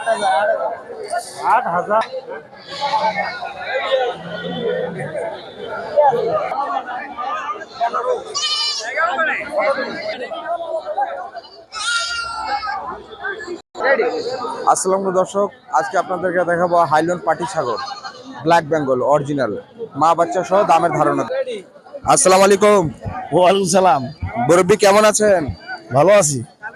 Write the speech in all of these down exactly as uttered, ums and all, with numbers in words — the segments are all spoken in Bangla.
আট হাজার। আসসালামু দর্শক, আজকে আপনাদেরকে দেখাবো হাইল্যান্ড পাটি ছাগল, ব্ল্যাক বেঙ্গল অরিজিনাল, মা বাচ্চা সহ দামের ধারণা। আসসালামু আলাইকুম। ওয়ালাইকুম সালাম। মুরব্বি কেমন আছেন? ভালো আছি।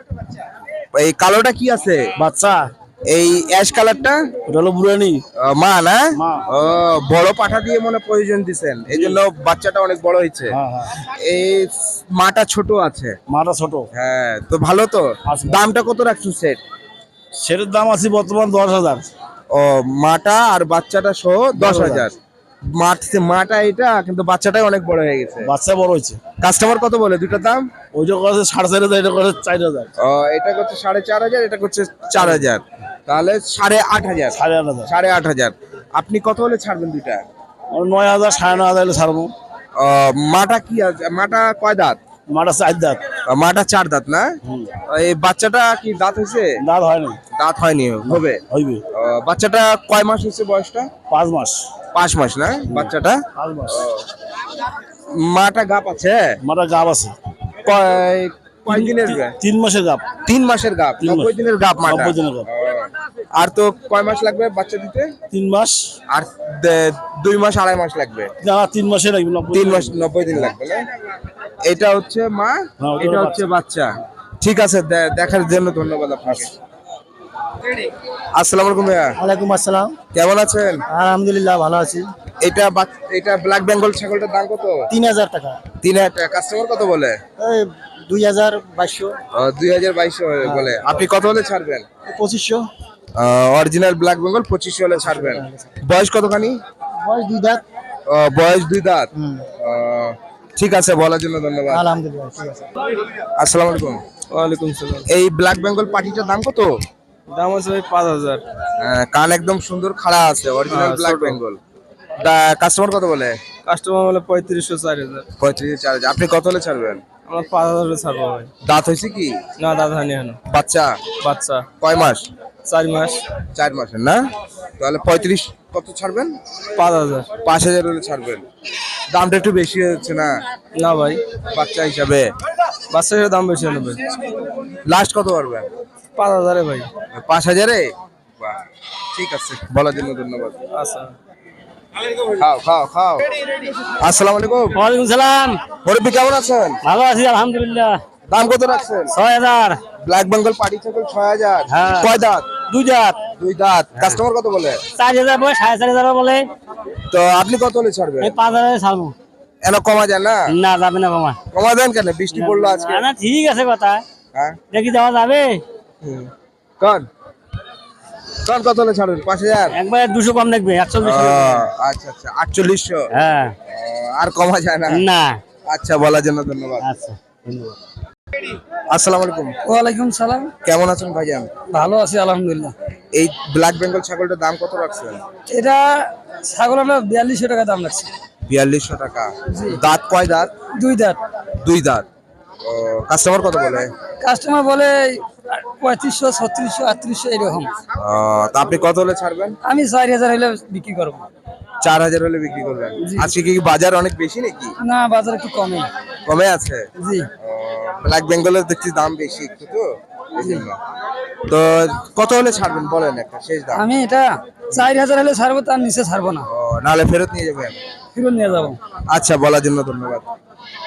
এই কালোটা কি আছে? বাচ্চা। এই অ্যাশ কালারটা ওটা হলো বুড়ানি। আহ, মা না? মা। ও, বড় পাঠা দিয়ে মনে প্রয়োজন দিছেন, এই জন্য বাচ্চাটা অনেক বড় হয়েছে। হ্যাঁ হ্যাঁ। এই মাটা ছোট আছে। মাটা ছোট। হ্যাঁ, তো ভালো তো। আচ্ছা। দামটা কত রাখছো সেট? সেটার দাম আছে বর্তমান দশ হাজার। ও, মাটা আর বাচ্চাটা সহ দশ হাজার। মাঠ মাটা এটা, কিন্তু বাচ্চাটাই অনেক বড় হয়ে গেছে। বাচ্চা বড় হয়েছে। কাস্টমার কত বলে দুটার দাম? ওইটা করছে সাড়ে চার হাজার, এটা করছে চার হাজার। ও, এটা করছে সাড়ে চার হাজার, এটা করছে চার হাজার, তাহলে সাড়ে আট হাজার। সাড়ে আট হাজার। সাড়ে আট হাজার। আপনি কত হলে ছাড়বেন দুইটা? নয় হাজার সাড়ে নয় হাজার ছাড়বো। ও, মাটা কি আছে? মাটা কয় দাঁত? মাটা চার দাঁত। মাটা চার দাঁত না? এই বাচ্চাটা কি দাঁত হয়েছে? দাঁত হয়নি। দাঁত হয়নি, হবে হইবে। ও, বাচ্চাটা কয় মাস হয়েছে বয়সটা? পাঁচ মাস। পাঁচ মাস না বাচ্চাটা? পাঁচ মাস। মাটা গাপ আছে? মাটা গাব আছে। কয় কয় দিনের গাপ? তিন মাসের গাব। তিন মাসের গাপ, তিন মাস। নব্বই দিনের গাপ মাটা। নব্বই দিনের গাব। ও, আর তো কয় মাস লাগবে বাচ্চা দিতে? তিন মাস। আর দে- দুই মাস আড়াই মাস লাগবে। না, তিন মাসে লাগবে। নব্বই তিন দিন। মাস নব্বই দিন লাগবে না? এটা হচ্ছে মা, হ্যাঁ, ওটা এটা হলো হচ্ছে বাচ্চা। ঠিক আছে, দে- দেখার জন্য ধন্যবাদ আপনাকে। আসসালামু আলাইকুম ভাইয়া, ওয়ালাইকুম আসসালাম। কেমন আছেন? আলহামদুলিল্লাহ ভালো আছি। এটা বাচ- এটা ব্ল্যাক বেঙ্গল ছাগলটার দাম কত? তিন হাজার টাকা। তিন হাজার টাকা। কাস্টমার কত বলে? এই দুই হাজার বাইশশো। দুই হাজার বাইশশো বলে। আপনি কত হলে ছাড়বেন? পঁচিশশো। অরিজিনাল ব্ল্যাক বেঙ্গল পঁচিশশো হলে ছাড়বেন। বয়স কতখানি? বয়স দুই দাঁত। আহ, বয়স দুই দাঁত। হুম। আহ, ঠিক আছে, বলার জন্য ধন্যবাদ। আলহামদুলিল্লাহ ঠিক আছে। আসসালামু আলাইকুম। ওয়ালাইকুম সালাম। এই ব্ল্যাক বেঙ্গল পাটিটার দাম কত? দাম আছে ভাই পাঁচ হাজার। আহ, কান একদম সুন্দর খাড়া আছে, অরিজিনাল হ্যাঁ, ব্ল্যাক ছোট। বেঙ্গল। কাস্টমার কত বলে? কাস্টমার বলে পঁয়ত্রিশশো চার হাজার। পঁয়ত্রিশ চার হাজার। আপনি কত হলে ছাড়বেন? আমরা পাঁচ হাজারে ছাড়বো ভাই। দাঁত হয়েছে কি? না দাদা হানি হানো। বাচ্চা বাচ্চা কয় মাস? চার মাস। চার মাসের না? তাহলে পঁয়ত্রিশ কত ছাড়বেন? পাঁচ হাজার। পাঁচ হাজার হলে ছাড়বেন। দামটা একটু বেশি হচ্ছে না না ভাই, বাচ্চা হিসাবে? বাচ্চার দাম বেশি হবে। লাস্ট কত পারবেন? পাঁচ হাজারে ভাই। পাঁচ হাজারে? বাহ, ঠিক আছে, বলার জন্য ধন্যবাদ। আচ্ছা। খাও খাও খাও। আসসালামু আলাইকুম। ওয়ালাইকুম সালাম। মুরব্বি কেমন আছেন? ভালো আছি আলহামদুলিল্লাহ। দাম কত রাখছেন? ছয় হাজার। ব্ল্যাক বেঙ্গল পাটি ছাগল ছয় হাজার। হ্যাঁ। কয় দাঁত? দুই দাঁত। দুই দাঁত। কাস্টমার কত বলে? চার হাজার বলে, সাড়ে চার হাজার বলে। তো আপনি কত হলে ছাড়বেন? এই পাঁচ হাজার ছাড়বো। এন কমা যায় না? না যাবে না মামা। কমা দেন কেন? বৃষ্টি পড়লো আজকে। না, না ঠিক আছে কথা। হ্যাঁ, দেখি দেওয়া যাবে। হুম। কন কন কত হলে ছাড়বেন? পাঁচ হাজার? একবার দুশো কম দেখবে, একশো ও, আচ্ছা আচ্ছা, আটচল্লিশশো। হ্যাঁ। ও, আর কমা যায় না? না। আচ্ছা, বলার জন্য ধন্যবাদ। আচ্ছা ধন্যবাদ। আসসালামু আলাইকুম। ওয়ালাইকুম সালাম। কেমন আছেন ভাইজান? ভালো আছি আলহামদুলিল্লাহ। এই ব্ল্যাক বেঙ্গল ছাগলটার দাম কত রাখছেন? এটা ছাগল আমরা বিয়াল্লিশশো টাকা দাম লাগছে। বিয়াল্লিশশো টাকা। দাঁত কয় দাঁত? দুই দাঁত। দুই দাঁত। ও, কাস্টমার কত বলে? কাস্টমার বলে পঁয়ত্রিশশো, ছত্রিশশো, আটত্রিশশো এরকম। ও, তা আপনি কত হলে ছাড়বেন? আমি চার হাজার হলে বিক্রি করবো। চার হাজার হলে বিক্রি করবেন। আজকে কি বাজার অনেক বেশি নাকি? না, বাজার একটু কমে। কমে আছে? জি। ব্ল্যাক বেঙ্গলের দেখছি দাম বেশি একটু, তো এই জন্য। তো কত হলে ছাড়বেন বলেন, একটা শেষ দাম। আমি এটা চার হাজার হলে ছাড়বো, তার নিচে ছাড়বো না। ও, নাহলে ফেরত নিয়ে যাবেন? ফিরত নিয়ে যাবো। আচ্ছা, বলার জন্য ধন্যবাদ।